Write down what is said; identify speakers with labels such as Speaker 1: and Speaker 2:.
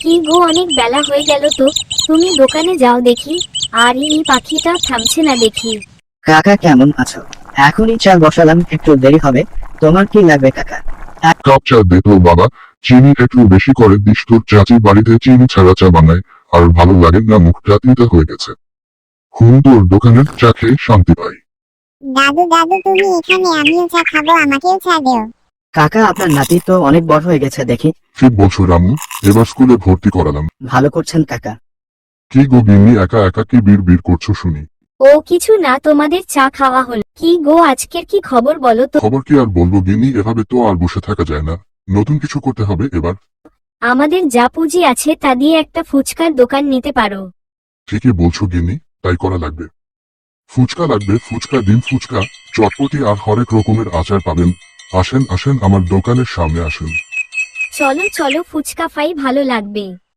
Speaker 1: কি গো, অনেক বেলা হয়ে গেল তো, তুমি দোকানে যাও দেখি। আর এই পাখিটা থামছে না দেখি।
Speaker 2: কাকা কেমন আছো? এখনই চা বসালাম, একটু দেরি হবে। তোমার কি লাগবে কাকা?
Speaker 3: কাপ চা দে তো বাবা, চিনি একটু বেশি করে দিস, তোর চাচি বাড়িতে চিনি ছাড়া চা বানায়, আর ভালো লাগে না, মুখটা তিতা হয়ে গেছে। তোর দোকানের চা খেয়ে শান্তি পাই।
Speaker 4: দাদু দাদু তুমি এখানে, আমিও চা খাবো, আমাকেও চা দেও।
Speaker 2: কাকা আপনার নাতি তো অনেক বড় হয়ে গেছে দেখি।
Speaker 3: ঠিক বলছো রামু, এবার স্কুলে ভর্তি করালাম।
Speaker 2: ভালো করছেন কাকা।
Speaker 3: কি গো গিন্নি, একা একা কি বিড় করছো শুনি?
Speaker 1: ও কিছু না, তোমাদের চা খাওয়া হলো। কি গো, আজকের কি খবর বলো তো?
Speaker 3: খবর কি আর বলবো গিন্নি, এভাবে তো আর বসে থাকা যায় না, নতুন কিছু করতে হবে এবার।
Speaker 1: আমাদের যা পুঁজি আছে তা দিয়ে একটা ফুচকার দোকান নিতে পারো।
Speaker 3: ঠিকই বলছো গিন্নি, তাই করা লাগবে। ফুচকা লাগবে, ফুচকা, ডিম ফুচকা, চটপটি আর হরেক রকমের আচার পাবেন। আসেন আসেন, আমার দোকানের সামনে আসেন।
Speaker 1: চলো চলো, ফুচকা খাই, ভালো লাগবে।